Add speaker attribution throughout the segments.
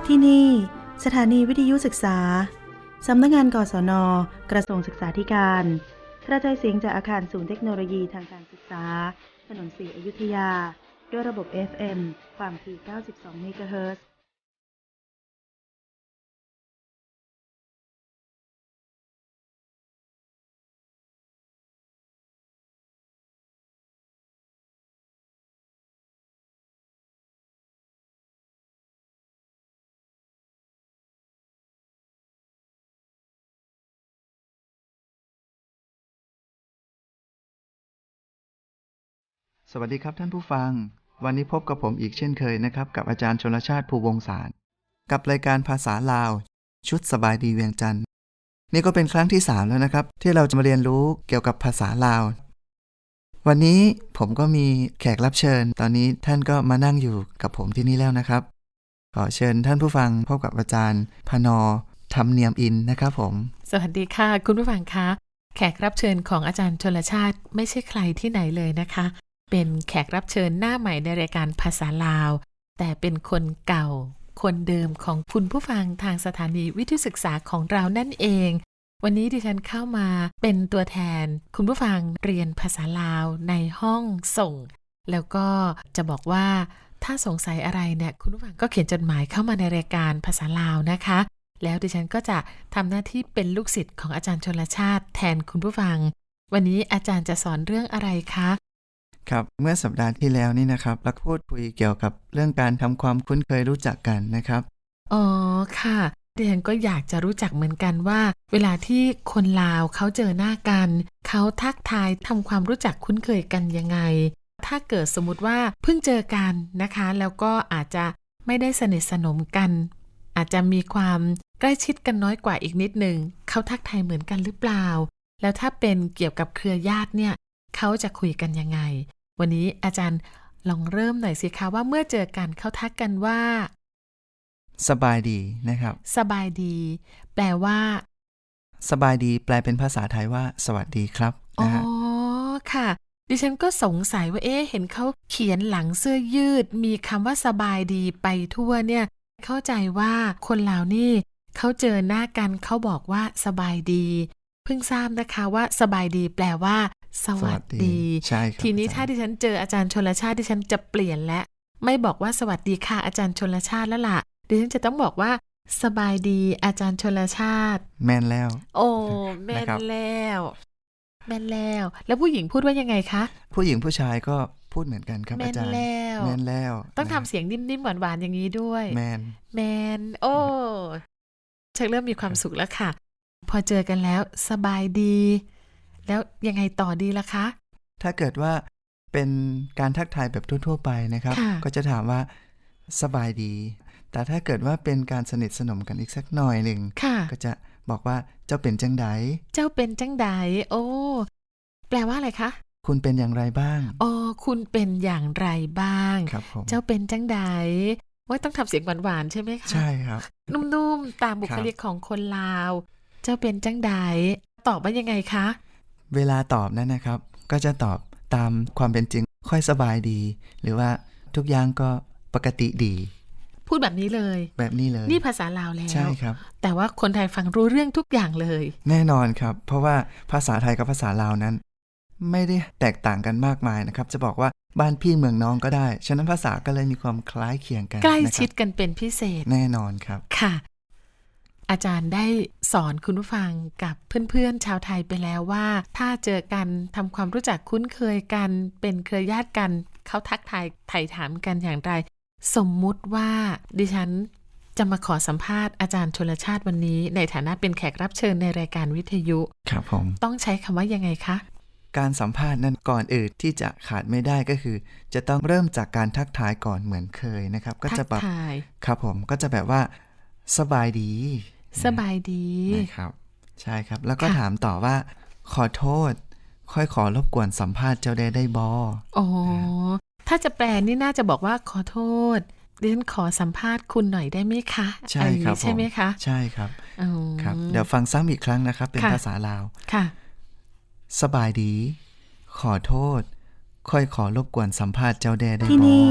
Speaker 1: ที่นี่สถานีวิทยุศึกษาสำนักงานกศน.กระทรวงศึกษาธิการกระจายเสียงจากอาคารศูนย์เทคโนโลยีทางการศึกษาถนนศรีอยุธยาด้วยระบบ FM ความถี่ 92 เมกะเฮิรตซ์
Speaker 2: สวัสดีครับท่านผู้ฟังวันนี้พบกับผมอีกเช่นเคยนะครับกับอาจารย์ชลชาติภูวงศ์สารกับรายการภาษาลาวชุดสบายดีเวียงจันทร์นี่ก็เป็นครั้งที่3แล้วนะครับที่เราจะมาเรียนรู้เกี่ยวกับภาษาลาววันนี้ผมก็มีแขกรับเชิญตอนนี้ท่านก็มานั่งอยู่กับผมที่นี่แล้วนะครับขอเชิญท่านผู้ฟังพบกับอาจารย์พนธรรมเนียมอินนะครับผม
Speaker 3: สวัสดีค่ะคุณผู้ฟังคะแขกรับเชิญของอาจารย์ชลชาติไม่ใช่ใครที่ไหนเลยนะคะเป็นแขกรับเชิญหน้าใหม่ในรายการภาษาลาวแต่เป็นคนเก่าคนเดิมของคุณผู้ฟังทางสถานีวิทยุศึกษาของเรานั่นเองวันนี้ดิฉันเข้ามาเป็นตัวแทนคุณผู้ฟังเรียนภาษาลาวในห้องส่งแล้วก็จะบอกว่าถ้าสงสัยอะไรเนี่ยคุณผู้ฟังก็เขียนจดหมายเข้ามาในรายการภาษาลาวนะคะแล้วดิฉันก็จะทำหน้าที่เป็นลูกศิษย์ของอาจารย์ชลชาติแทนคุณผู้ฟังวันนี้อาจารย์จะสอนเรื่องอะไรคะ
Speaker 2: ครับเมื่อสัปดาห์ที่แล้วนี่นะครับเราพูดคุยเกี่ยวกับเรื่องการทำความคุ้นเคยรู้จักกันนะครับ
Speaker 3: อ๋อค่ะดิฉันก็อยากจะรู้จักเหมือนกันว่าเวลาที่คนลาวเขาเจอหน้ากันเขาทักทายทำความรู้จักคุ้นเคยกันยังไงถ้าเกิดสมมุติว่าเพิ่งเจอกันนะคะแล้วก็อาจจะไม่ได้สนิทสนมกันอาจจะมีความใกล้ชิดกันน้อยกว่าอีกนิดนึงเขาทักทายเหมือนกันหรือเปล่าแล้วถ้าเป็นเกี่ยวกับเครือญาติเนี่ยเขาจะคุยกันยังไงวันนี้อาจารย์ลองเริ่มหน่อยสิคะว่าเมื่อเจอกันเขาทักกันว่า
Speaker 2: สบายดีนะครับ
Speaker 3: สบายดีแปลว่า
Speaker 2: สบายดีแปลเป็นภาษาไทยว่าสวัสดีครับนะฮะ
Speaker 3: อ๋อค่ะดิฉันก็สงสัยว่าเห็นเขาเขียนหลังเสื้อยืดมีคำว่าสบายดีไปทั่วเนี่ยเข้าใจว่าคนลาวนี่เขาเจอหน้ากันเขาบอกว่าสบายดีเพิ่งทราบนะคะว่าสบายดีแปลว่าสวัสดี
Speaker 2: ใช่ครับ
Speaker 3: ทีนี้ถ้าดิฉันเจออาจารย์ชลชาติดิฉันจะเปลี่ยนและไม่บอกว่าสวัสดีค่ะอาจารย์ชลชาติแล้วล่ะดิฉันจะต้องบอกว่าสบายดีอาจารย์ชลชาติ
Speaker 2: แม่นแล้ว
Speaker 3: โอ้แม่นแล้วแม่นแล้วผู้หญิงพูดว่ายังไงคะ
Speaker 2: ผู้หญิงผู้ชายก็พูดเหมือนกันครับอาจารย์แม่นแล้ว
Speaker 3: ต้องทำเสียงนิ่มๆหวานๆอย่างนี้ด้วย
Speaker 2: แมน
Speaker 3: โอ้ชักเริ่มมีความสุขแล้วค่ะพอเจอกันแล้วสบายดีแล้วยังไงต่อดีล่ะคะ
Speaker 2: ถ้าเกิดว่าเป็นการทักทายแบบทั่วๆไปนะครับก็จะถามว่าสบายดีแต่ถ้าเกิดว่าเป็นการสนิทสนมกันอีกสักหน่อยหนึ่งก็จะบอกว่าเจ้าเป็นจังได
Speaker 3: เจ้าเป็นจังไดโอ้แปลว่าอะไรคะ
Speaker 2: คุณเป็นอย่างไรบ้าง
Speaker 3: อ๋อคุณเป็นอย่างไรบ้าง
Speaker 2: ครับผม
Speaker 3: เจ้าเป็นจังไดว่าต้องทำเสียงหวานๆใช่ไหมคะ
Speaker 2: ใช่ครับ
Speaker 3: นุ่มๆตามบุคลิกของคนลาวเจ้าเป็นจังไดตอบว่ายังไงคะ
Speaker 2: เวลาตอบนั้นนะครับก็จะตอบตามความเป็นจริงค่อยสบายดีหรือว่าทุกอย่างก็ปกติดี
Speaker 3: พูดแบบนี้เลยนี่ภาษาลาวแล้ว
Speaker 2: ใช่ครับ
Speaker 3: แต่ว่าคนไทยฟังรู้เรื่องทุกอย่างเลย
Speaker 2: แน่นอนครับเพราะว่าภาษาไทยกับภาษาลาวนั้นไม่ได้แตกต่างกันมากมายนะครับจะบอกว่าบ้านพี่เมืองน้องก็ได้ฉะนั้นภาษาก็เลยมีความคล้ายเคียงกัน
Speaker 3: ใกล้ชิดกันเป็นพิเศษ
Speaker 2: แน่นอนครับ
Speaker 3: ค่ะอาจารย์ได้สอนคุณผู้ฟังกับเพื่อนๆชาวไทยไปแล้วว่าถ้าเจอกันทำความรู้จักคุ้นเคยกันเป็นเครือญาติกันเขาทักทายไถ่ถามกันอย่างไรสมมุติว่าดิฉันจะมาขอสัมภาษณ์อาจารย์ชลชาติวันนี้ในฐานะเป็นแขกรับเชิญในรายการวิทยุ
Speaker 2: ครับผม
Speaker 3: ต้องใช้คำว่ายังไงคะ
Speaker 2: การสัมภาษณ์นั้นก่อนอื่นที่จะขาดไม่ได้ก็คือจะต้องเริ่มจากการทักทายก่อนเหมือนเคยนะครับก็จะแบบครับผมก็จะแบบว่าสบายดีนะครับใช่ครับแล้วก็ถามต่อว่าขอโทษค่อยขอรบกวนสัมภาษณ์เจ้าได้บ
Speaker 3: อ๋อถ้าจะแปลนี่น่าจะบอกว่าขอโทษดิฉันขอสัมภาษณ์คุณหน่อยได้ไหมคะ
Speaker 2: ใช่ครับ
Speaker 3: ใช่ไหมคะ
Speaker 2: ใช่ครับครับเดี๋ยวฟังซ้ำอีกครั้งนะครับเป็นภาษาลาว
Speaker 3: ค่ะ
Speaker 2: สบายดีขอโทษค่อยขอรบกวนสัมภาษณ์เจ้าได้
Speaker 1: ที่นี่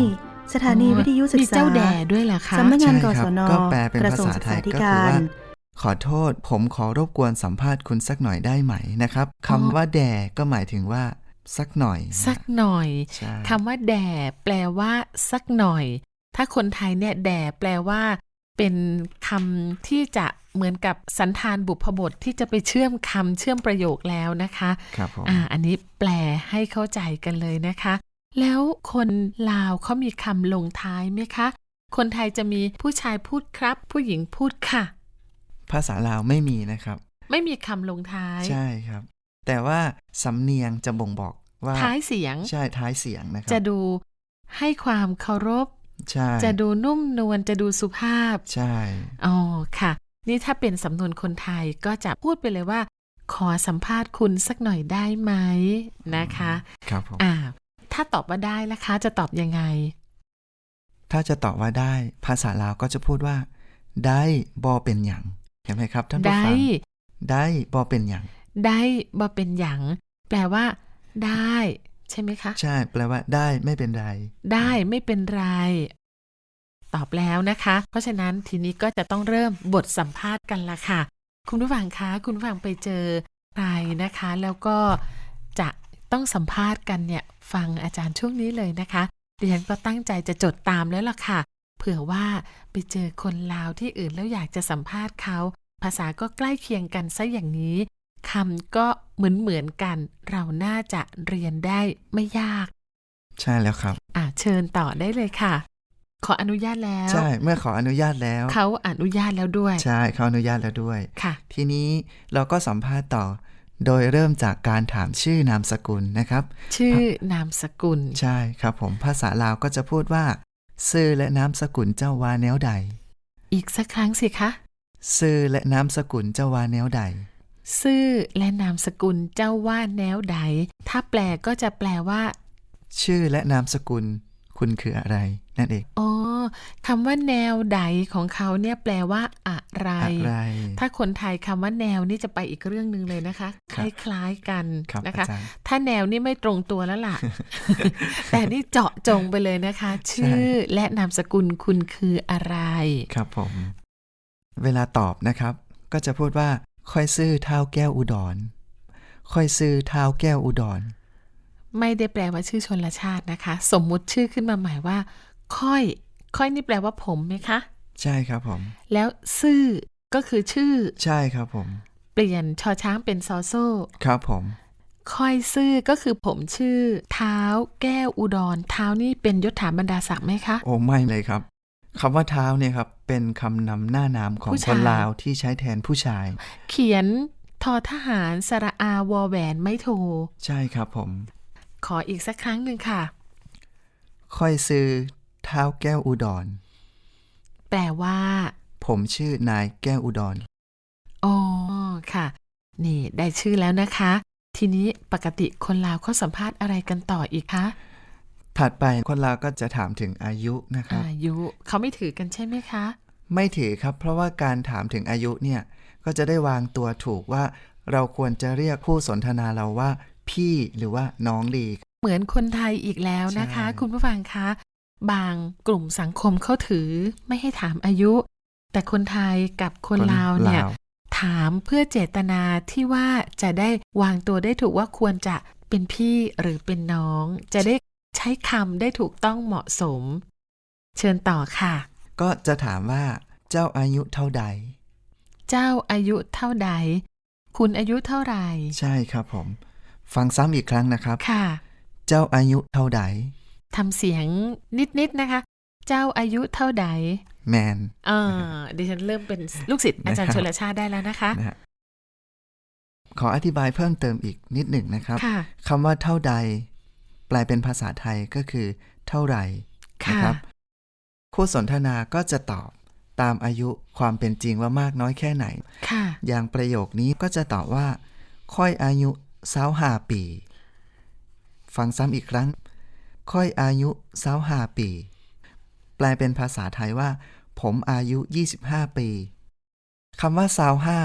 Speaker 1: สถานีวิทยุศึกษา
Speaker 3: มีเจ้าแด่ด้วยเหรอคะ
Speaker 1: สำนักงานก
Speaker 2: ใช่
Speaker 1: ศ
Speaker 2: ครับ
Speaker 1: น
Speaker 2: ก็แปลเป็น
Speaker 1: กระ
Speaker 2: ภา
Speaker 1: ทรวง
Speaker 2: ษา
Speaker 1: ศึก
Speaker 2: ไท
Speaker 1: ษาย ธิ
Speaker 2: ก็
Speaker 1: กา
Speaker 2: คือ
Speaker 1: ร
Speaker 2: ว่า ขอโทษผมขอรบกวนสัมภาษณ์คุณสักหน่อยได้ไหมนะครับคำว่าแด่ก็หมายถึงว่าสักหน่อยนะ
Speaker 3: สักหน่อย
Speaker 2: ใช่
Speaker 3: คำว่าแด่แปลว่าสักหน่อย ถ้าคนไทยเนี่ยแด่แปลว่า เป็นคำที่จะเหมือนกับสันธานบุพบทที่จะไปเชื่อมคำเชื่อมประโยคแล้วนะคะ
Speaker 2: ครับผม
Speaker 3: อันนี้แปลให้เข้าใจกันเลยนะคะ แล้วคนลาวเขามีคำลงท้ายไหมคะ คนไทยจะมีผู้ชายพูดครับ ผู้หญิงพูดค่ะ
Speaker 2: ภาษาลาวไม่มีนะครับ
Speaker 3: ไม่มีคำลงท้าย
Speaker 2: ใช่ครับ แต่ว่าสำเนียงจะบ่งบอกว่า
Speaker 3: ท้ายเสียง
Speaker 2: ใช่ท้ายเสียงนะครั
Speaker 3: จะดูให้ความเคารพ
Speaker 2: ใช่
Speaker 3: จะดูนุ่มนวลจะดูสุภาพ
Speaker 2: ใช่
Speaker 3: อ๋อค่ะ นี่ถ้าเป็นสำนวนคนไทยก็จะพูดไปเลยว่า ขอสัมภาษณ์คุณสักหน่อยได้ไหมนะคะ
Speaker 2: ครับผม
Speaker 3: ถ้าตอบว่าได้ล่ะคะจะตอบยังไง
Speaker 2: ถ้าจะตอบว่าได้ภาษาลาวก็จะพูดว่า ได้บอเป็นหยังเห็นไหมครับท่านผู้
Speaker 3: ได้
Speaker 2: ฟังได้บอเป็นหยัง
Speaker 3: ได้บ่เป็นหยังแปลว่า ได้ ใช่ไหมคะ
Speaker 2: ใช่แปลว่าได้ไม่เป็นไร
Speaker 3: ได้ไม่เป็นไร ตอบแล้วนะคะ เพราะฉะนั้นทีนี้ก็จะต้องเริ่มบทสัมภาษณ์กันละค่ะ คุณผู้ฟังคะคุณผู้ฟังไปเจอใครนะคะ แล้วก็จะต้องสัมภาษณ์กันเนี่ยฟังอาจารย์ช่วงนี้เลยนะคะดิฉันก็ตั้งใจจะจดตามแล้วล่ะค่ะ เผื่อว่าไปเจอคนลาวที่อื่นแล้วอยากจะสัมภาษณ์เขา ภาษาก็ใกล้เคียงกันซะอย่างนี้คำก็เหมือนกัน เราน่าจะเรียนได้ไม่ยาก
Speaker 2: ใช่แล้วครับ
Speaker 3: เชิญต่อได้เลยค่ะ ขออนุญาตแล้ว
Speaker 2: ใช่เมื่อขออนุญาตแล้ว
Speaker 3: เขาอนุญาตแล้วด้วย
Speaker 2: ใช่เขาอนุญาตแล้วด้วย
Speaker 3: ค่ะ
Speaker 2: ทีนี้เราก็สัมภาษณ์ต่อ โดยเริ่มจากการถามชื่อนามสกุลนะครับ
Speaker 3: ชื่อนามสกุล
Speaker 2: ใช่ครับผมภาษาลาวก็จะพูดว่าชื่อและนามสกุลเจ้าว่าแนวใด
Speaker 3: อีกสักครั้งสิคะ
Speaker 2: ชื่อและนามสกุลเจ้าว่าแนวใด
Speaker 3: ชื่อและนามสกุลเจ้าว่าแนวใด ถ้าแปลก็จะแปลว่า
Speaker 2: ชื่อและนามสกุลคุณคืออะไรนั่นเอง
Speaker 3: อ๋อคำว่าแนวใดของเขาเนี่ยแปลว่าอะไร
Speaker 2: อะไร
Speaker 3: ถ้าคนไทยคำว่าแนวนี่จะไปอีกเรื่องนึงเลยนะคะ
Speaker 2: ค
Speaker 3: ครับ ล้ายๆกัน
Speaker 2: ครับ
Speaker 3: นะคะ
Speaker 2: อาจารย์
Speaker 3: ถ้าแนวนี่ไม่ตรงตัวแล้วล่ะ แต่นี่เจาะจงไปเลยนะคะ ชื่อและนามสกุลคุณคืออะไร
Speaker 2: ครับผม เวลาตอบนะครับ ก็จะพูดว่าค่อยซื้อเท้าแก้วอุดร ค่อยซื้อเท้าแก้วอุดร
Speaker 3: ไม่ได้แปลว่าชื่อชนละชาตินะคะ สมมุติชื่อขึ้นมาหมายว่า ค่อยนี่แปลว่าผมไหมคะ
Speaker 2: ใช่ครับผม
Speaker 3: แล้วซื่อก็คือชื่อ
Speaker 2: ใช่ครับผม
Speaker 3: เปลี่ยนชอช้างเป็นซอโซ่
Speaker 2: ครับผม
Speaker 3: ค่อยซื่อก็คือผมชื่อ เท้าแก้วอุดร เท้านี่เป็นยศถาบรรดาศักดิ์ไหมคะ
Speaker 2: โอ้ไม่เลยครับคำว่าเท้าเนี่ยครับเป็นคำนำหน้านามของ
Speaker 3: ผู้
Speaker 2: ค
Speaker 3: ชาย
Speaker 2: นลาวที่ใช้แทนผู้ชาย
Speaker 3: เขียนทอทหารสระอาวอแหวนไม่โท
Speaker 2: ใช่ครับผม
Speaker 3: ขออีกสักครั้งหนึ่งค่ะ
Speaker 2: ค่อยซื้อเท้าแก้วอุดร
Speaker 3: แปลว่า
Speaker 2: ผมชื่อนายแก้วอุดร
Speaker 3: อ๋อค่ะ นี่ได้ชื่อแล้วนะคะ ทีนี้ปกติคนลาวเขาสัมภาษณ์อะไรกันต่ออีกคะ
Speaker 2: ถัดไปคนลาวก็จะถามถึงอายุนะครับ
Speaker 3: อายุเขาไม่ถือกันใช่ไหมคะ
Speaker 2: ไม่ถือครับ เพราะว่าการถามถึงอายุเนี่ยก็จะได้วางตัวถูกว่าเราควรจะเรียกผู้สนทนาเราว่าพี่หรือว่าน้องดี
Speaker 3: เหมือนคนไทยอีกแล้วนะคะ
Speaker 2: ใช่
Speaker 3: คุณผู้ฟังคะ บางกลุ่มสังคมเขาถือไม่ให้ถามอายุ แต่คนไทยกับคนลาวเนี่ย ถามเพื่อเจตนาที่ว่าจะได้วางตัวได้ถูกว่าควรจะเป็นพี่หรือเป็นน้อง จะได้ใช้คำได้ถูกต้องเหมาะสม เชิญต่อค่ะ
Speaker 2: ก็จะถามว่าเจ้าอายุเท่าใด
Speaker 3: เจ้าอายุเท่าใด คุณอายุเท่าไหร่
Speaker 2: ใช่ครับผม ฟังซ้ำอีกครั้งนะครับ
Speaker 3: ค่ะ
Speaker 2: เจ้าอายุเท่าใด
Speaker 3: ทำเสียงนิดๆนะคะ เจ้าอายุเท่าใด
Speaker 2: แมน
Speaker 3: ดิฉันเริ่มเป็นลูกศิษย์อาจารย์
Speaker 2: นะครับ
Speaker 3: ชลชาติได้แล้วนะคะ
Speaker 2: นะฮะขออธิบายเพิ่มเติมอีกนิดหนึ่งนะครับ
Speaker 3: ค่ะ
Speaker 2: คำว่าเท่าใด แปลเป็นภาษาไทยก็คือ เท่าไหร่
Speaker 3: ค่ะ
Speaker 2: นะครับคู่สนทนาก็จะตอบตามอายุความเป็นจริงว่ามากน้อยแค่ไหน
Speaker 3: ค่ะ
Speaker 2: อย่างประโยคนี้ก็จะตอบว่า ค่อยอายุ25 ปี ฟังซ้ำอีกครั้ง ค่อยอายุ25 ปี แปลเป็นภาษาไทยว่า ผมอายุ25 ปีคำว่า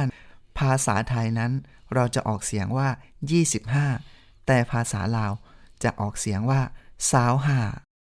Speaker 2: 25ภาษาไทยนั้นเราจะออกเสียงว่า25แต่ภาษาลาวจะออกเสียงว่า25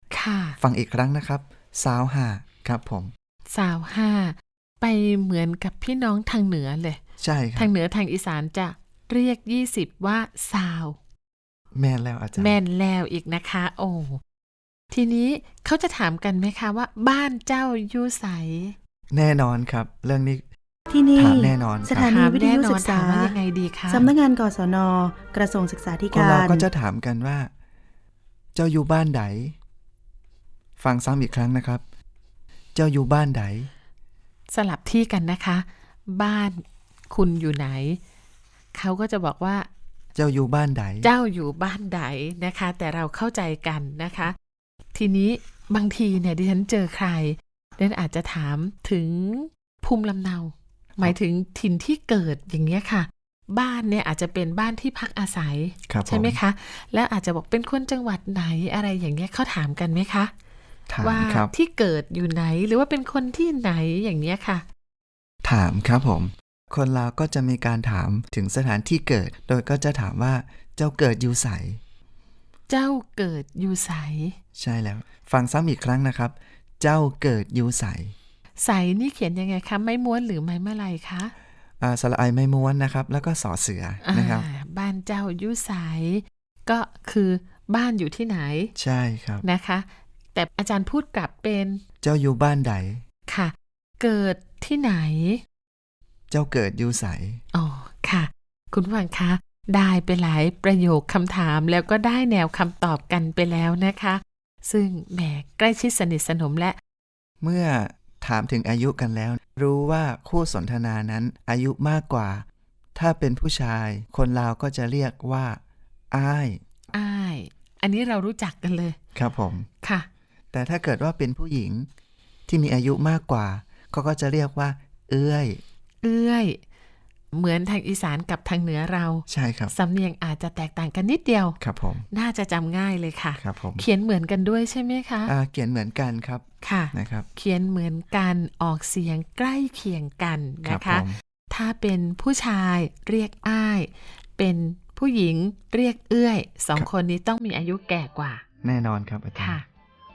Speaker 3: ค่ะ
Speaker 2: ฟังอีกครั้งนะครับสาวห้าครับผม
Speaker 3: สาวห้าไปเหมือนกับพี่น้องทางเหนือเลย
Speaker 2: ใช่ครั
Speaker 3: ทา
Speaker 2: บ
Speaker 3: งเหนือทางอีสานจะเรียก20ว่าสาว
Speaker 2: แม่นแล้วอาจารย์
Speaker 3: แม่นแล้วอีกนะคะ โอ้ทีนี้เขาจะถามกันไหมคะว่าบ้านเจ้าอยู่ไส
Speaker 2: แน่นอนครับ เรื่องนี้
Speaker 1: ที่นี่
Speaker 2: ถามแน่นอน
Speaker 1: ส
Speaker 2: ครั
Speaker 1: ถา
Speaker 2: บ
Speaker 1: นี
Speaker 3: ถาม
Speaker 1: วิท
Speaker 3: แน่
Speaker 1: ยุ
Speaker 3: นอ
Speaker 1: ศึ
Speaker 3: น
Speaker 1: ก
Speaker 3: ถา
Speaker 1: ษาม
Speaker 3: ว่ายังไงดีคะ
Speaker 1: สำนักงานกศน กระทรวงศึกษาธิ
Speaker 2: คน
Speaker 1: กา
Speaker 2: เรา
Speaker 1: ร
Speaker 2: ก็จะถามกันว่า เจ้าอยู่บ้านใดฟังซ้ำอีกครั้งนะครับ เจ้าอยู่บ้านใด
Speaker 3: สลับที่กันนะคะ บ้านคุณอยู่ไหน เขาก็จะบอกว่า
Speaker 2: เจ้าอยู่บ้านใด
Speaker 3: เจ้าอยู่บ้านใดนะคะ แต่เราเข้าใจกันนะคะ ทีนี้บางทีเนี่ยดิฉันเจอใครดิฉันอาจจะถามถึงภูมิลำเนา หมายถึงถิ่นที่เกิดอย่างเงี้ยค่ะ บ้านเนี่ยอาจจะเป็นบ้านที่พักอาศัย
Speaker 2: ครับ
Speaker 3: ใช่ไหม
Speaker 2: ผม
Speaker 3: คะ แล้วอาจจะบอกเป็นคนจังหวัดไหนอะไรอย่างเงี้ยเขาถามกันไหมคะ
Speaker 2: ถาม
Speaker 3: ว่า
Speaker 2: ครับ
Speaker 3: ที่เกิดอยู่ไหนหรือว่าเป็นคนที่ไหนอย่างเงี้ยค่ะ
Speaker 2: ถามครับผม คนเราก็จะมีการถามถึงสถานที่เกิด โดยก็จะถามว่าเจ้าเกิดอยู่ไส
Speaker 3: เจ้าเกิดอยู่ไส
Speaker 2: ใช่แล้ว ฟังซ้ำอีกครั้งนะครับ เจ้าเกิดอยู่ไส
Speaker 3: ไสนี่เขียนยังไงคะไม้ม้วนหรือไม้มะลัยคะ
Speaker 2: สระไอไม่ม้วนนะครับ แล้วก็สอเสือนะครับ
Speaker 3: บ้านเจ้าอยู่ไสก็คือบ้านอยู่ที่ไหน
Speaker 2: ใช่ครับ
Speaker 3: นะคะ แต่อาจารย์พูดกลับเป็น
Speaker 2: เจ้าอยู่บ้านใด
Speaker 3: ค่ะ เกิดที่ไหน
Speaker 2: เจ้าเกิดอยู่ไส
Speaker 3: อ๋อค่ะ คุณผู้ฟังคะได้ไปหลายประโยคคำถามแล้วก็ได้แนวคำตอบกันไปแล้วนะคะ ซึ่งแหมใกล้ชิดสนิทสนมและ
Speaker 2: เมื่อถามถึงอายุกันแล้ว รู้ว่าคู่สนทนานั้นอายุมากกว่า ถ้าเป็นผู้ชาย คนลาวก็จะเรียกว่าอ้าย
Speaker 3: อ้าย อันนี้เรารู้จักกันเลย
Speaker 2: ครับผม
Speaker 3: ค่ะ
Speaker 2: แต่ถ้าเกิดว่าเป็นผู้หญิงที่มีอายุมากกว่าเขาก็จะเรียกว่า เอื้อย
Speaker 3: เอื้อย เหมือนทางอีสานกับทางเหนือเรา
Speaker 2: ใช่ครับ
Speaker 3: สำเนียงอาจจะแตกต่างกันนิดเดียว
Speaker 2: ครับผม
Speaker 3: น่าจะจำง่ายเลยค่ะ
Speaker 2: ครับผม
Speaker 3: เขียนเหมือนกันด้วยใช่ไหมคะ
Speaker 2: เขียนเหมือนกันครับ
Speaker 3: ค่ะ
Speaker 2: นะครับ
Speaker 3: เขียนเหมือนกันออกเสียงใกล้เคียงกัน
Speaker 2: ครั
Speaker 3: นะ
Speaker 2: บ
Speaker 3: คะ
Speaker 2: ผม
Speaker 3: ถ้าเป็นผู้ชายเรียกอ้าย เป็นผู้หญิงเรียกเอื้อยสองคนนี้ต้องมีอายุแก่กว่า
Speaker 2: แน่นอนครับอาจาร
Speaker 3: ค่ะ
Speaker 2: ย์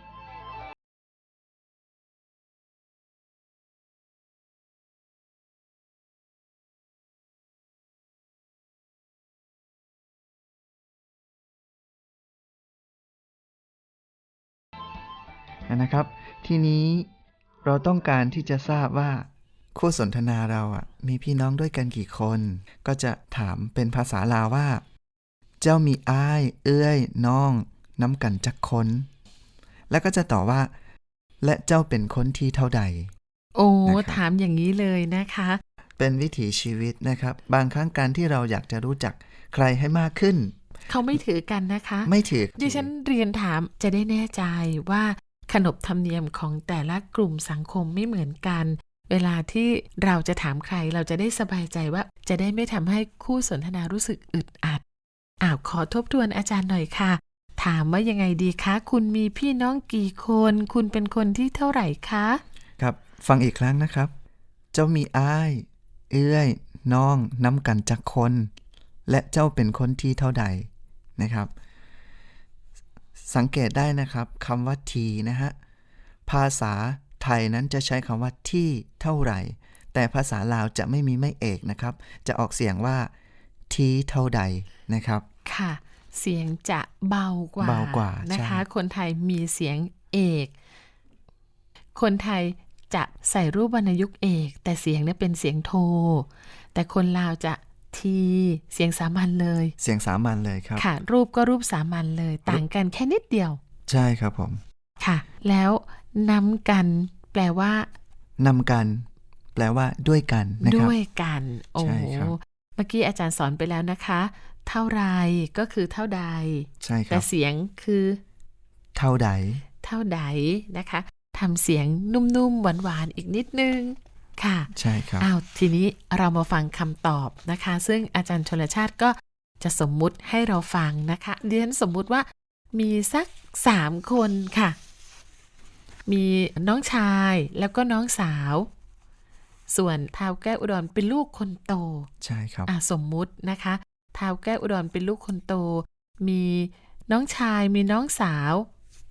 Speaker 2: นะครับ ทีนี้เราต้องการที่จะทราบว่า คู่สนทนาเรามีพี่น้องด้วยกันกี่คน ก็จะถามเป็นภาษาลาวว่า เจ้ามีอ้าย เอื้อย น้อง น้ำกันจักคน แล้วก็จะตอบว่า และเจ้าเป็นคนที่เท่าใด
Speaker 3: โอ้
Speaker 2: นะครับ
Speaker 3: ถามอย่างนี้เลยนะคะ
Speaker 2: เป็นวิถีชีวิตนะครับ บางครั้งการที่เราอยากจะรู้จักใครให้มากขึ้น
Speaker 3: เขาไม่ถือกันนะคะ
Speaker 2: ไม่ถือ
Speaker 3: ดิฉันเรียนถามจะได้แน่ใจว่าขนบธรรมเนียมของแต่ละกลุ่มสังคมไม่เหมือนกัน เวลาที่เราจะถามใครเราจะได้สบายใจว่าจะได้ไม่ทำให้คู่สนทนารู้สึกอึดอัดขอทบทวนอาจารย์หน่อยค่ะ ถามว่ายังไงดีคะ คุณมีพี่น้องกี่คน คุณเป็นคนที่เท่าไหร่คะ
Speaker 2: ครับ ฟังอีกครั้งนะครับ เจ้ามีอ้าย เอื้อย น้องน้ำกันจักคน และเจ้าเป็นคนที่เท่าใดนะครับ สังเกตได้นะครับคำว่าทีนะฮะ ภาษาไทยนั้นจะใช้คำว่าที่เท่าไหร่ แต่ภาษาลาวจะไม่มีไม่เอกนะครับ จะออกเสียงว่าทีเท่าใดนะครับ
Speaker 3: ค่ะ เสียงจะเบากว่า
Speaker 2: เบากว่า
Speaker 3: นะคะ
Speaker 2: ใช่
Speaker 3: คนไทยมีเสียงเอก คนไทยจะใส่รูปวรรณยุกต์เอก แต่เสียงเนี่ยเป็นเสียงโท แต่คนลาวจะทีเสียงสามัญเลย
Speaker 2: เสียงสามัญเลยครับ
Speaker 3: ค่ะ รูปก็รูปสามัญเลย ต่างกันแค่นิดเดียว
Speaker 2: ใช่ครับผม
Speaker 3: ค่ะ แล้วน้ำกันแปลว่า
Speaker 2: นำกัน แปลว่าด้วยกันนะครับ
Speaker 3: ด้วยกัน โอ้
Speaker 2: ใช่ครับ
Speaker 3: เมื่อกี้อาจารย์สอนไปแล้วนะคะ เท่าไรก็คือเท่าใด
Speaker 2: ใช่ค
Speaker 3: แต่
Speaker 2: รับ
Speaker 3: เสียงคือ
Speaker 2: เท่าใด
Speaker 3: เท่าใดนะคะทำเสียงนุ่มๆหวานๆอีกนิดนึงค่ะ
Speaker 2: ใช่ครับ
Speaker 3: ทีนี้เรามาฟังคำตอบนะคะ ซึ่งอาจารย์ชลชาติก็จะสมมุติให้เราฟังนะคะดิฉันสมมุติว่ามีสัก3คนค่ะ มีน้องชายแล้วก็น้องสาว ส่วนท้าวแก้วอุดรเป็นลูกคนโต
Speaker 2: ใช่ครับ
Speaker 3: สมมุตินะคะท้าวแก้วอุดรเป็นลูกคนโต มีน้องชายมีน้องสาว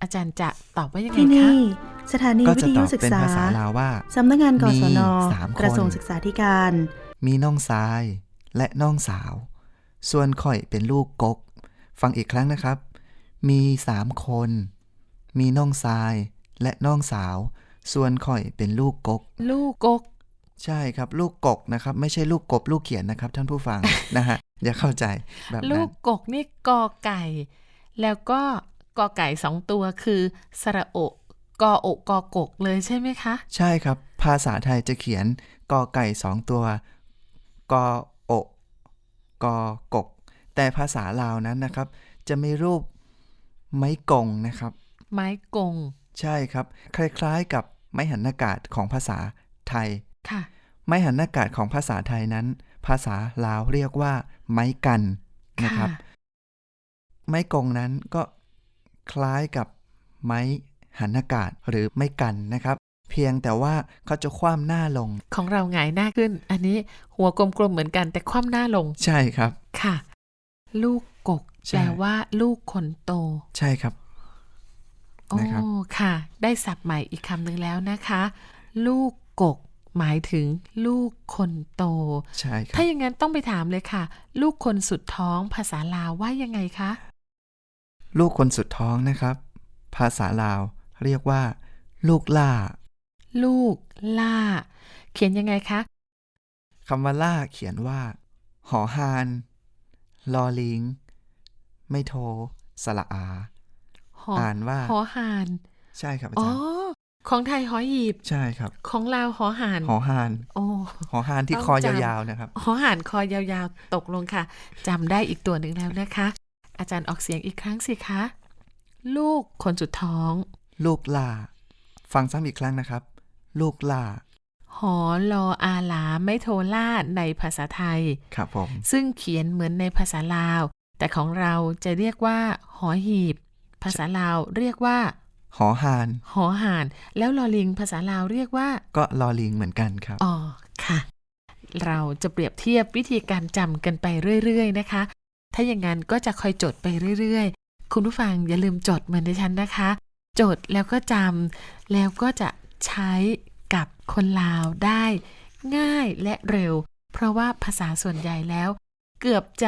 Speaker 3: อาจารย์จะตอบว่ายังไง
Speaker 1: ที่
Speaker 3: คะ
Speaker 1: นี่สถานี
Speaker 2: ก็
Speaker 1: วิ
Speaker 2: จะ
Speaker 1: ท
Speaker 2: ต
Speaker 1: ยุ
Speaker 2: อบ
Speaker 1: ศึก
Speaker 2: เป็น
Speaker 1: ษา
Speaker 2: ภาษาลาวว่า
Speaker 1: สำนักงานกศน
Speaker 2: มี3 คน
Speaker 1: กระทรวงศึกษาธิการ
Speaker 2: มีน้องชายและน้องสาว ส่วนข่อยเป็นลูกกก ฟังอีกครั้งนะครับ มี3 คน มีน้องชายและน้องสาว ส่วนข่อยเป็นลูกกก
Speaker 3: ลูกกก
Speaker 2: ใช่ครับ ลูกกกนะครับ ไม่ใช่ลูกกบลูกเขียนนะครับ ท่านผู้ฟัง นะฮะอย่าเข้าใจแบบ
Speaker 3: ลู
Speaker 2: นั้น
Speaker 3: กกกนี่กอไก่ แล้วก็กอไก่2 ตัวคือสระโอกออกกอกกเลยใช่ไหมคะ
Speaker 2: ใช่ครับ ภาษาไทยจะเขียนกอไก่2 ตัวกออกกอกก แต่ภาษาลาวนั้นนะครับ จะมีรูปไม้กงนะครับ
Speaker 3: ไม้กง
Speaker 2: ใช่ครับ คล้ายๆกับไม้หันอากาศของภาษาไทย
Speaker 3: ค่ะ
Speaker 2: ไม้หันอากาศของภาษาไทยนั้น ภาษาลาวเรียกว่าไม้กันนะครับ ไม้กงนั้นก็คล้ายกับไม้หันอากาศหรือไม้กันนะครับ เพียงแต่ว่าเขาจะคว่ำหน้าลง
Speaker 3: ของเราหงายหน้าขึ้น อันนี้หัวกลมๆเหมือนกันแต่คว่ำหน้าลง
Speaker 2: ใช่ครับ
Speaker 3: ค่ะ ลูกกก
Speaker 2: ใช่
Speaker 3: แปลว่าลูกคนโต
Speaker 2: ใช่ครับ
Speaker 3: โอ้
Speaker 2: นะครับ
Speaker 3: ค่ะ ได้ศัพท์ใหม่อีกคำหนึ่งแล้วนะคะ ลูกกก หมายถึงลูกคนโต
Speaker 2: ใช่ครับ
Speaker 3: ถ้าอย่างนั้นต้องไปถามเลยค่ะ ลูกคนสุดท้องภาษาลาวว่ายังไงคะ
Speaker 2: ลูกคนสุดท้องนะครับ ภาษาลาวเรียกว่า ลูกล่า
Speaker 3: ลูกล่า เขียนยังไงคะ
Speaker 2: คำว่าล่าเขียนว่า หอฮาน ลอลิง ไม่โท สระอา
Speaker 3: หอ
Speaker 2: อ่านว่า
Speaker 3: หอหาน
Speaker 2: ใช่ครับอา
Speaker 3: อ๋อ
Speaker 2: จารย์
Speaker 3: ของไทยหอหีบ
Speaker 2: ใช่ครับ
Speaker 3: ของลาวหอหาน
Speaker 2: หอฮาน
Speaker 3: โอ้
Speaker 2: หอฮานที่
Speaker 3: ต้อง
Speaker 2: คอ
Speaker 3: จำ
Speaker 2: ยาวๆนะครับ
Speaker 3: หอหานคอยาวๆ ตกลงค่ะจำได้อีกตัวหนึ่งแล้วนะคะ อาจารย์ออกเสียงอีกครั้งสิคะ ลูกคนสุดท้อง
Speaker 2: ลูกล่า ฟังซ้ำอีกครั้งนะครับ ลูกล่า
Speaker 3: หอลออาหลาไม่โทล่าในภาษาไทย
Speaker 2: ครับผม
Speaker 3: ซึ่งเขียนเหมือนในภาษาลาว แต่ของเราจะเรียกว่า หอหีบ ภาษาลาวเรียกว่า
Speaker 2: หอฮาน
Speaker 3: หอหาน แล้วลอลิงภาษาลาวเรียกว่า
Speaker 2: ก็ลอลิงเหมือนกันครับ
Speaker 3: อ๋อ ค่ะ เราจะเปรียบเทียบวิธีการจำกันไปเรื่อยๆนะคะ ถ้าอย่างนั้นก็จะคอยจดไปเรื่อยๆ คุณผู้ฟังอย่าลืมจดเหมือนดิฉันนะคะ จดแล้วก็จำแล้วก็จะใช้กับคนลาวได้ง่ายและเร็ว เพราะว่าภาษาส่วนใหญ่แล้ว เกือบจะ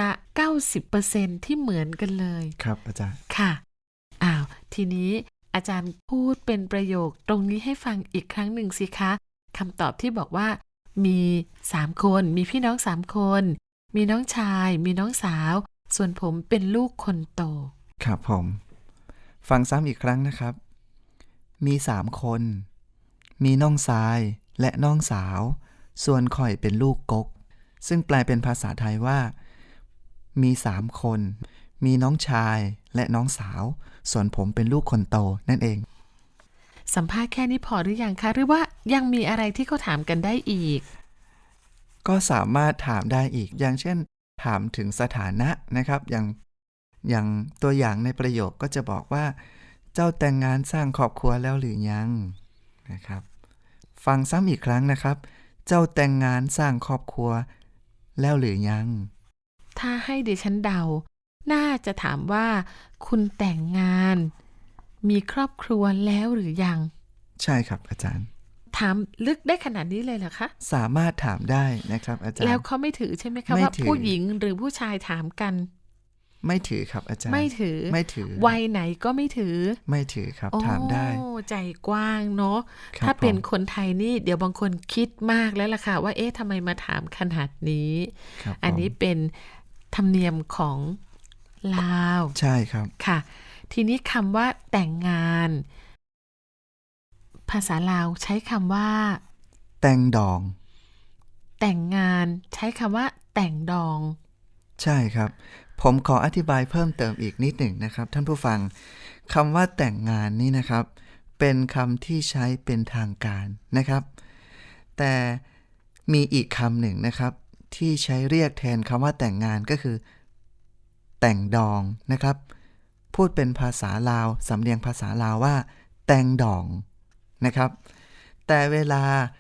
Speaker 3: 90% ที่เหมือนกันเลย
Speaker 2: ครับอาจารย์
Speaker 3: ค่ะ อ้าว ทีนี้อาจารย์พูดเป็นประโยคตรงนี้ให้ฟังอีกครั้งหนึ่งสิคะคำตอบที่บอกว่า มี3 คน มีพี่น้อง3 คน มีน้องชาย มีน้องสาว ส่วนผมเป็นลูกคนโต
Speaker 2: ครับผม ฟังซ้ำอีกครั้งนะครับ มี3 คน มีน้องชายและน้องสาว ส่วนข่อยเป็นลูกกก ซึ่งแปลเป็นภาษาไทยว่า มี3 คน มีน้องชายและน้องสาว ส่วนผมเป็นลูกคนโตนั่นเอง
Speaker 3: สัมภาษณ์แค่นี้พอหรือยังคะ หรือว่ายังมีอะไรที่เขาถามกันได้อีก
Speaker 2: ก็สามารถถามได้อีก อย่างเช่น ถามถึงสถานะนะครับ อย่างตัวอย่างในประโยคก็จะบอกว่า เจ้าแต่งงานสร้างครอบครัวแล้วหรือยังนะครับ ฟังซ้ำอีกครั้งนะครับ เจ้าแต่งงานสร้างครอบครัวแล้วหรือยัง
Speaker 3: ถ้าให้ดิฉันเดา น่าจะถามว่า คุณแต่งงาน มีครอบครัวแล้วหรือยัง
Speaker 2: ใช่ครับอาจารย์
Speaker 3: ถามลึกได้ขนาดนี้เลยเหรอคะ
Speaker 2: สามารถถามได้นะครับอาจารย์
Speaker 3: แล้วเขาไม่ถือใช่ไหมคะ
Speaker 2: ไม่
Speaker 3: ว่า
Speaker 2: ถือ
Speaker 3: ผู้หญิงหรือผู้ชายถามกัน
Speaker 2: ไม่ถือครับอาจารย์
Speaker 3: ไม่ถือ
Speaker 2: ไม่ถือ
Speaker 3: วัยไหนก็ไม่ถือ
Speaker 2: ไม่ถือครับ
Speaker 3: โอ้
Speaker 2: ถามได้
Speaker 3: ใจกว้างเนาะ
Speaker 2: ครับ
Speaker 3: ถ้าเป็น
Speaker 2: ผม
Speaker 3: คนไทยนี่เดี๋ยวบางคนคิดมากแล้วล่ะค่ะ ว่าเอ๊ะทำไมมาถามขนาดนี้
Speaker 2: ครับ
Speaker 3: อันนี้
Speaker 2: ผม
Speaker 3: เป็นธรรมเนียมของลาว
Speaker 2: ใช่ครับ
Speaker 3: ค่ะ ทีนี้คำว่าแต่งงาน ภาษาลาวใช้คำว่า
Speaker 2: แต่งดอง
Speaker 3: แต่งงานใช้คำว่า แต่งดอง
Speaker 2: ใช่ครับ ผมขออธิบายเพิ่มเติมอีกนิดหนึ่งนะครับ ท่านผู้ฟังคำว่าแต่งงานนี่นะครับ เป็นคำที่ใช้เป็นทางการนะครับ แต่มีอีกคำหนึ่งนะครับ ที่ใช้เรียกแทนคำว่าแต่งงานก็คือ แต่งดองนะครับ พูดเป็นภาษาลาวสำเนียงภาษาลาวว่า แต่งดองนะครับ แต่เวลา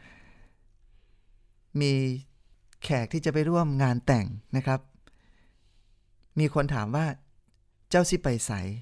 Speaker 2: มีแขกที่จะไปร่วมงานแต่งนะครับ มีคนถามว่าเจ้าสิไปไส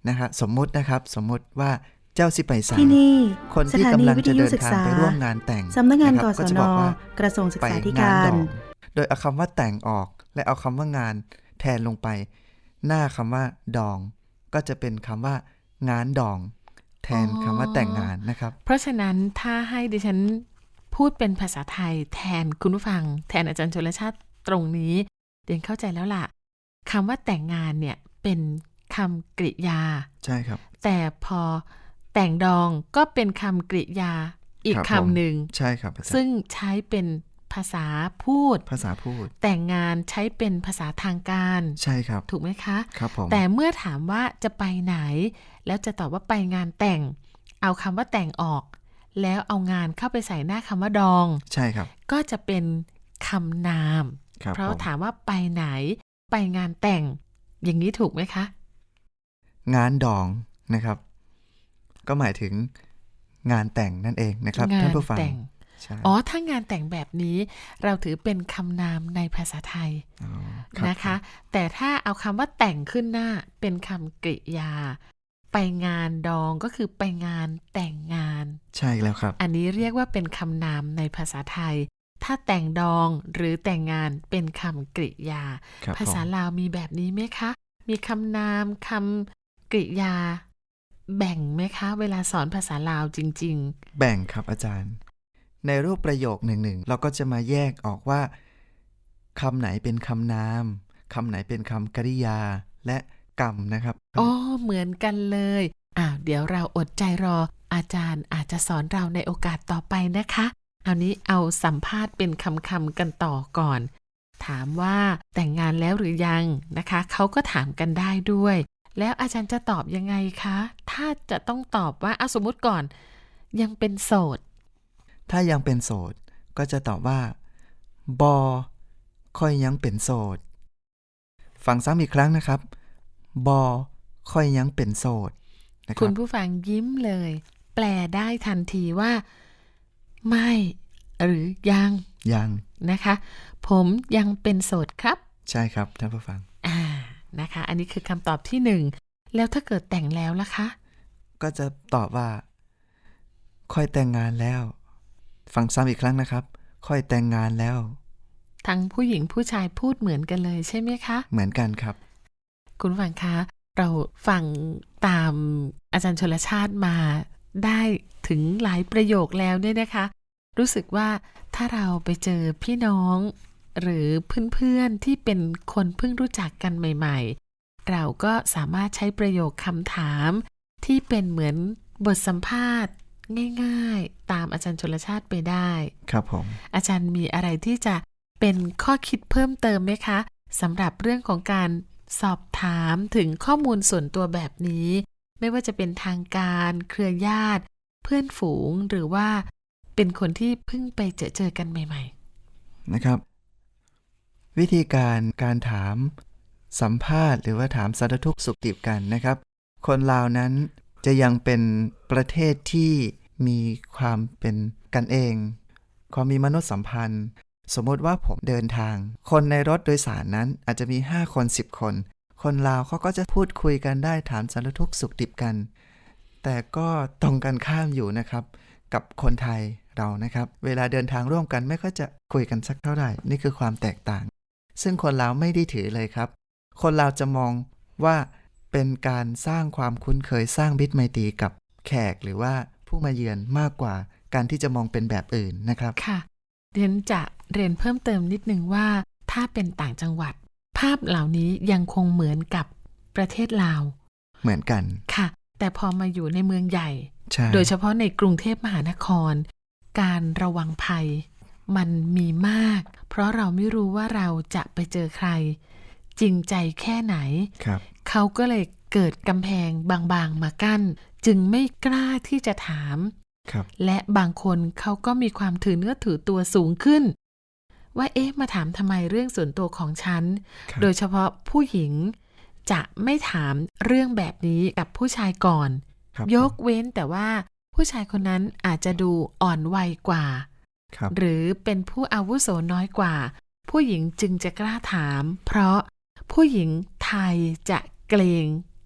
Speaker 2: นะฮะสมมุตินะครับสมมุติว่าเจ้าสิไปใส่
Speaker 1: ที่นี่
Speaker 2: คน
Speaker 1: ส
Speaker 2: ที่
Speaker 1: ถานี
Speaker 2: กำลัง
Speaker 1: วิ
Speaker 2: จะ
Speaker 1: ทยุ
Speaker 2: เดิน
Speaker 1: ศึก
Speaker 2: ทาง
Speaker 1: ษา
Speaker 2: ไปร่วมงานแต่ง
Speaker 1: สำนักงาน
Speaker 2: ะค
Speaker 1: ก
Speaker 2: รับ
Speaker 1: ศ
Speaker 2: ก็จะ
Speaker 1: น
Speaker 2: บอกว่า
Speaker 1: กระทรวงศึก
Speaker 2: ไป
Speaker 1: ษาธิ
Speaker 2: งาน
Speaker 1: การ
Speaker 2: ดองโดยเอาคำว่าแต่งออกและเอาคำว่างานแทนลงไป หน้าคำว่าดอง ก็จะเป็นคำว่างานดอง แทนคำว่าแต่งงานนะครับ
Speaker 3: เพราะฉะนั้นถ้าให้ดิฉันพูดเป็นภาษาไทยแทนคุณผู้ฟังแทนอาจารย์ชลชาติตรงนี้เดียนเข้าใจแล้วล่ะคำว่าแต่งงานเนี่ยเป็นคำกริยา
Speaker 2: ใช่ครับ
Speaker 3: แต่พอแต่งดองก็เป็นคำกริยาอีก
Speaker 2: ครับผม
Speaker 3: คำหนึ่ง
Speaker 2: ใช่ครับอาจารย์
Speaker 3: ซึ่งใช้เป็นภาษาพูด
Speaker 2: ภาษาพูด
Speaker 3: แต่งงานใช้เป็นภาษาทางการ
Speaker 2: ใช่ครับ
Speaker 3: ถูกไหมคะ
Speaker 2: ครับผม
Speaker 3: แต่เมื่อถามว่าจะไปไหน แล้วจะตอบว่าไปงานแต่ง เอาคำว่าแต่งออก แล้วเอางานเข้าไปใส่หน้าคำว่าดอง
Speaker 2: ใช่ครับ
Speaker 3: ก็จะเป็นคำนาม
Speaker 2: ครับ
Speaker 3: เพราะ
Speaker 2: ผม
Speaker 3: ถามว่าไปไหน ไปงานแต่ง อย่างนี้ถูกไหมคะ
Speaker 2: งานดองนะครับ ก็หมายถึงงานแต่งนั่นเองนะครับ
Speaker 3: งา
Speaker 2: ท่าน
Speaker 3: น
Speaker 2: ผู้ฟัง
Speaker 3: แต่ง
Speaker 2: ใช่
Speaker 3: อ๋อ ถ้างานแต่งแบบนี้ เราถือเป็นคำนามในภาษาไทย
Speaker 2: อ๋อรับ
Speaker 3: นะคะ แต่ถ้าเอาคำว่าแต่งขึ้นหน้าเป็นคำกริยา ไปงานดองก็คือไปงานแต่งงาน
Speaker 2: ใช่แล้วครับ
Speaker 3: อันนี้เรียกว่าเป็นคำนามในภาษาไทย ถ้าแต่งดองหรือแต่งงานเป็นคำกริยา
Speaker 2: ครับ
Speaker 3: ภาษา
Speaker 2: ผม
Speaker 3: ลาวมีแบบนี้ไหมคะ มีคำนามคำกริยา แบ่งไหมคะ เวลาสอนภาษาลาวจริง
Speaker 2: แบ่งครับอาจารย์ ในรูปประโยคหนึ่งเราก็จะมาแยกออกว่าคำไหนเป็นคำนามคำไหนเป็นคำกริยาและกรรมนะครับ
Speaker 3: ๆ อ๋อ เหมือนกันเลยเดี๋ยวเราอดใจรอ อาจารย์อาจจะสอนเราในโอกาสต่อไปนะคะเอานี้เอาสัมภาษณ์เป็นคำๆกันต่อก่อน ถามว่าแต่งงานแล้วหรือยังนะคะ เขาก็ถามกันได้ด้วย แล้วอาจารย์จะตอบยังไงคะ ถ้าจะต้องตอบว่าสมมุติก่อน ยังเป็นโสด
Speaker 2: ถ้ายังเป็นโสดก็จะตอบว่าบอค่อยยังเป็นโสด ฟังซ้ำอีกครั้งนะครับบอค่อยยังเป็นโสดนะค
Speaker 3: คุ
Speaker 2: รั
Speaker 3: ณ
Speaker 2: บ
Speaker 3: ผู้ฟังยิ้มเลย แปลได้ทันทีว่า ไม่หรือยัง
Speaker 2: ยัง
Speaker 3: นะคะ ผมยังเป็นโสดครับ
Speaker 2: ใช่ครับท่านผู้ฟัง
Speaker 3: นะคะ อันนี้คือคำตอบที่หนึ่งแล้วถ้าเกิดแต่งแล้วล่ะคะ
Speaker 2: ก็จะตอบว่า ค่อยแต่งงานแล้ว ฟังซ้ำอีกครั้งนะครับ ค่อยแต่งงานแล้ว
Speaker 3: ทั้งผู้หญิงผู้ชายพูดเหมือนกันเลยใช่ไหมคะ
Speaker 2: เหมือนกันครับ
Speaker 3: คุณผู้ฟังคะ เราฟังตามอาจารย์ชลชาติมาได้ถึงหลายประโยคแล้วเนี่ยนะคะ รู้สึกว่าถ้าเราไปเจอพี่น้อง หรือเพื่อนๆที่เป็นคนเพิ่งรู้จักกันใหม่ๆ เราก็สามารถใช้ประโยคคำถามที่เป็นเหมือนบทสัมภาษณ์ง่ายๆ ตามอาจารย์ชลชาติไปได้
Speaker 2: ครับผม
Speaker 3: อาจารย์มีอะไรที่จะเป็นข้อคิดเพิ่มเติมไหมคะสำหรับเรื่องของการสอบถามถึงข้อมูลส่วนตัวแบบนี้ ไม่ว่าจะเป็นทางการเครือญาติ เพื่อนฝูงหรือว่าเป็นคนที่เพิ่งไปเจอกันใหม่ๆ
Speaker 2: นะครับ วิธีการถามสัมภาษณ์หรือว่าถามสารทุกข์สุขดิบกันนะครับ คนลาวนั้นจะยังเป็นประเทศที่มีความเป็นกันเอง ความมีมนุษยสัมพันธ์ สมมติว่าผมเดินทาง คนในรถโดยสารนั้นอาจจะมี5คน10คน คนลาวเขาก็จะพูดคุยกันได้ถามสารทุกข์สุขดิบกัน แต่ก็ตรงกันข้ามอยู่นะครับกับคนไทยเรานะครับ เวลาเดินทางร่วมกันไม่ค่อยจะคุยกันสักเท่าไหร่นี่คือความแตกต่าง ซึ่งคนลาวไม่ได้ถือเลยครับ คนลาวจะมองว่าเป็นการสร้างความคุ้นเคยสร้างมิตรไมตรีกับแขกหรือว่าผู้มาเยือนมากกว่าการที่จะมองเป็นแบบอื่นนะครับ
Speaker 3: ค่ะเรียนจะเรียนเพิ่มเติมนิดนึงว่าถ้าเป็นต่างจังหวัด ภาพเหล่านี้ยังคงเหมือนกับประเทศลาว
Speaker 2: เหมือนกัน
Speaker 3: ค่ะ แต่พอมาอยู่ในเมืองใหญ่
Speaker 2: ใช่
Speaker 3: โดยเฉพาะในกรุงเทพมหานคร การระวังภัยมันมีมาก เพราะเราไม่รู้ว่าเราจะไปเจอใคร จริงใจแค่ไหน
Speaker 2: ครับ
Speaker 3: เขาก็เลยเกิดกำแพงบางๆมากั้น จึงไม่กล้าที่จะถาม
Speaker 2: ครับ
Speaker 3: และบางคนเขาก็มีความถือเนื้อถือตัวสูงขึ้น ว่ามาถามทำไมเรื่องส่วนตัวของฉัน
Speaker 2: ครับ
Speaker 3: โดยเฉพาะผู้หญิงจะไม่ถามเรื่องแบบนี้กับผู้ชายก่อน
Speaker 2: ครับ
Speaker 3: ยกเว้นแต่ว่าผู้ชายคนนั้นอาจจะดูอ่อนวัยกว่า
Speaker 2: ครับ
Speaker 3: หรือเป็นผู้อาวุโสน้อยกว่า ผู้หญิงจึงจะกล้าถาม เพราะผู้หญิงไทยจะเกรง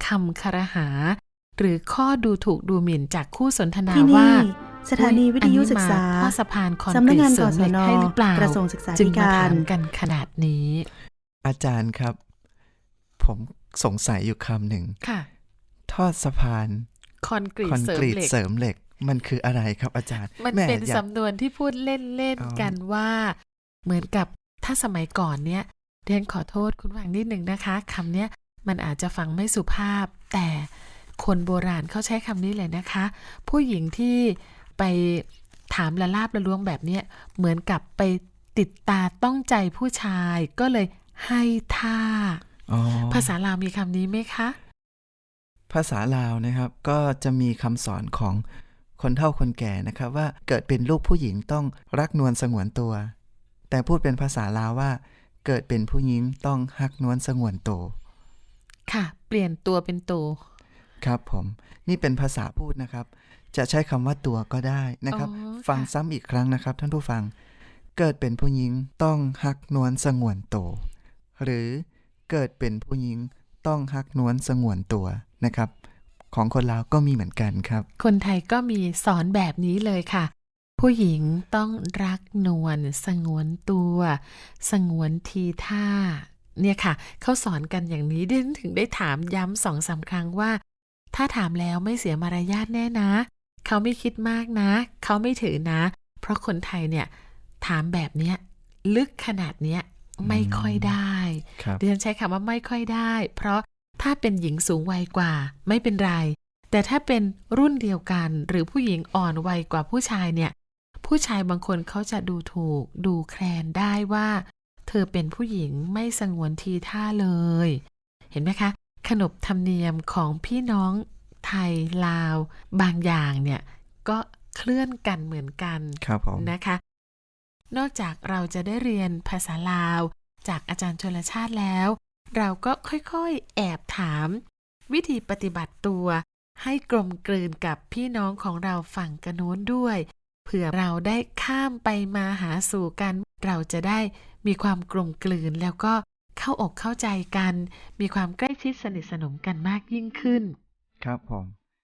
Speaker 3: คำครหา หรือข้อดูถูกดูหมิ่นจากคู่สนทนา
Speaker 1: ที่
Speaker 3: ว่า
Speaker 1: นี่สถานีวิทยุศึกษา
Speaker 3: อันนี้มาทอดสะพานคอน
Speaker 1: สำ
Speaker 3: ก
Speaker 1: นัก
Speaker 3: รีต
Speaker 1: งาน
Speaker 3: เสริ
Speaker 1: ก
Speaker 3: มเห
Speaker 1: ศ
Speaker 3: ล็ก
Speaker 1: น
Speaker 3: ให้หรือเปล่าก
Speaker 1: ระทรวงศึกษา
Speaker 3: จึ
Speaker 1: ธิ
Speaker 3: งมา
Speaker 1: การ
Speaker 3: ถามกันขนาดนี้
Speaker 2: อาจารย์ครับ ผมสงสัยอยู่คำหนึ่ง
Speaker 3: ค่ะ
Speaker 2: ทอดสะพาน
Speaker 3: คอนกรี
Speaker 2: ค
Speaker 3: ต
Speaker 2: อน
Speaker 3: เสริ
Speaker 2: ก
Speaker 3: ม
Speaker 2: รีต
Speaker 3: เหล็ก
Speaker 2: เสริมเหล็ก มันคืออะไรครับอาจารย์
Speaker 3: มัน
Speaker 2: แห
Speaker 3: เป็น
Speaker 2: อยาก
Speaker 3: สำนวนที่พูดเล่น
Speaker 2: อ๋อ
Speaker 3: ๆกันว่า เหมือนกับถ้าสมัยก่อนเนี่ยเรียนขอโทษคุณฟังนิดหนึ่งนะคะคำเนี้ยมันอาจจะฟังไม่สุภาพ แต่คนโบราณเขาใช้คำนี้เลยนะคะ ผู้หญิงที่ไปถามละลาบละล้วงแบบเนี้ยเหมือนกับไปติดตาต้องใจผู้ชายก็เลยให้ท่า
Speaker 2: อ๋อ
Speaker 3: ภาษาลาวมีคำนี้ไหมคะ
Speaker 2: ภาษาลาวนะครับ ก็จะมีคำสอนของคนเฒ่าคนแก่นะครับ ว่าเกิดเป็นลูกผู้หญิงต้องรักนวลสงวนตัว แต่พูดเป็นภาษาลาวว่า เกิดเป็นผู้หญิงต้องฮักนวลสงวนตัว
Speaker 3: ค่ะ เปลี่ยนตัวเป็นตัว
Speaker 2: ครับผม นี่เป็นภาษาพูดนะครับ จะใช้คำว่าตัวก็ได้นะครับ
Speaker 3: อ๋อ
Speaker 2: ฟัง
Speaker 3: ค่ะ
Speaker 2: ซ้ำอีกครั้งนะครับ ท่านผู้ฟัง เกิดเป็นผู้หญิงต้องฮักนวลสงวนตัว หรือเกิดเป็นผู้หญิงต้องฮักนวลสงวนตัวนะครับ ของคนลาวก็มีเหมือนกันครับ
Speaker 3: คนไทยก็มีสอนแบบนี้เลยค่ะ ผู้หญิงต้องรักนวลสงวนตัว สงวนทีท่า เนี่ยค่ะ เขาสอนกันอย่างนี้ดิฉันถึงได้ถามย้ำ2-3 ครั้งว่า ถ้าถามแล้วไม่เสียมารยาทแน่นะ เขาไม่คิดมากนะ เขาไม่ถือนะ เพราะคนไทยเนี่ยถามแบบเนี้ยลึกขนาดเนี้ยไม่ค่อยได้
Speaker 2: ครับ
Speaker 3: ดิฉันใช้คำว่าไม่ค่อยได้ เพราะถ้าเป็นหญิงสูงวัยกว่าไม่เป็นไร แต่ถ้าเป็นรุ่นเดียวกันหรือผู้หญิงอ่อนวัยกว่าผู้ชายเนี่ย ผู้ชายบางคนเขาจะดูถูกดูแคลนได้ว่า เธอเป็นผู้หญิงไม่สงวนทีท่าเลย เห็นไหมคะ ขนบธรรมเนียมของพี่น้องไทยลาว บางอย่างเนี่ยก็เคลื่อนกันเหมือนกัน
Speaker 2: ครับผม
Speaker 3: นะคะ นอกจากเราจะได้เรียนภาษาลาวจากอาจารย์ชลชาติแล้ว เราก็ค่อยๆแอบถาม วิธีปฏิบัติตัวให้กลมกลืนกับพี่น้องของเราฝั่งกะโน้นด้วย เผื่อเราได้ข้ามไปมาหาสู่กัน เราจะได้มีความกลมกลืนแล้วก็เข้าอกเข้าใจกัน มีความใกล้ชิดสนิทสนมกันมากยิ่งขึ้น
Speaker 2: ครับผม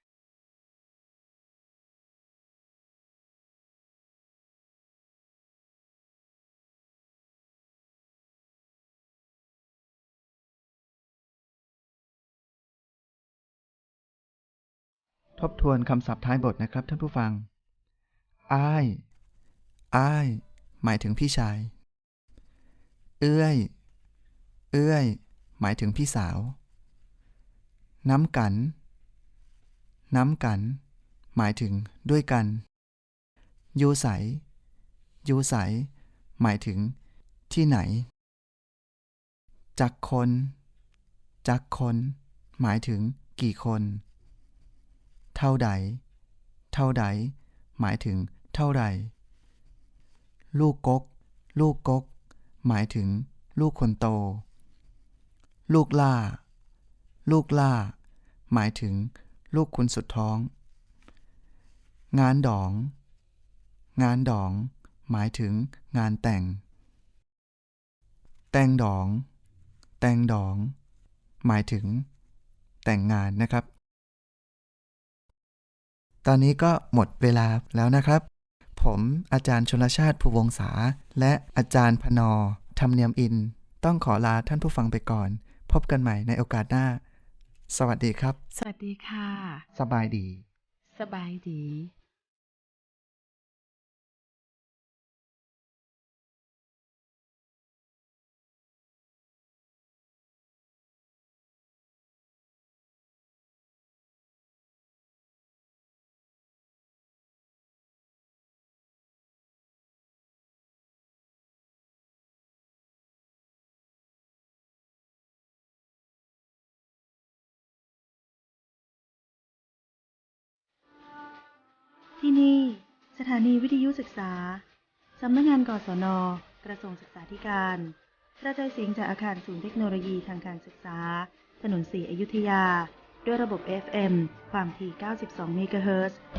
Speaker 2: ทบทวนคำศัพท์ท้ายบทนะครับท่านผู้ฟัง อ้าย อ้าย หมายถึงพี่ชาย เอื้อย เอื้อย หมายถึงพี่สาว น้ำกัน น้ำกัน หมายถึงด้วยกัน ยูใส ยูใส หมายถึงที่ไหน จักคน จักคน หมายถึงกี่คน เท่าใด เท่าใด หมายถึงเท่าไหร่ ลูกกก ลูกกก หมายถึงลูกคนโต ลูกล่า ลูกล่า หมายถึงลูกคุณสุดท้อง งานดอง งานดอง หมายถึงงานแต่ง แต่งดอง แต่งดอง หมายถึงแต่งงานนะครับ ตอนนี้ก็หมดเวลาแล้วนะครับ ผมอาจารย์ชลชาติภูวงศาและอาจารย์พนธรรมเนียมอิน ต้องขอลาท่านผู้ฟังไปก่อน พบกันใหม่ในโอกาสหน้า สวัสดีครับ
Speaker 3: สวัสดีค่ะ
Speaker 2: สบายดี
Speaker 3: สบายดี
Speaker 1: ที่นี่สถานีวิทยุศึกษา สำนักงานกศน กระทรวงศึกษาธิการ กระจายเสียงจากอาคารศูนย์เทคโนโลยีทางการศึกษา ถนนสีอยุธยา ด้วยระบบ FM ความถี่ 92 เมกะเฮิรตซ์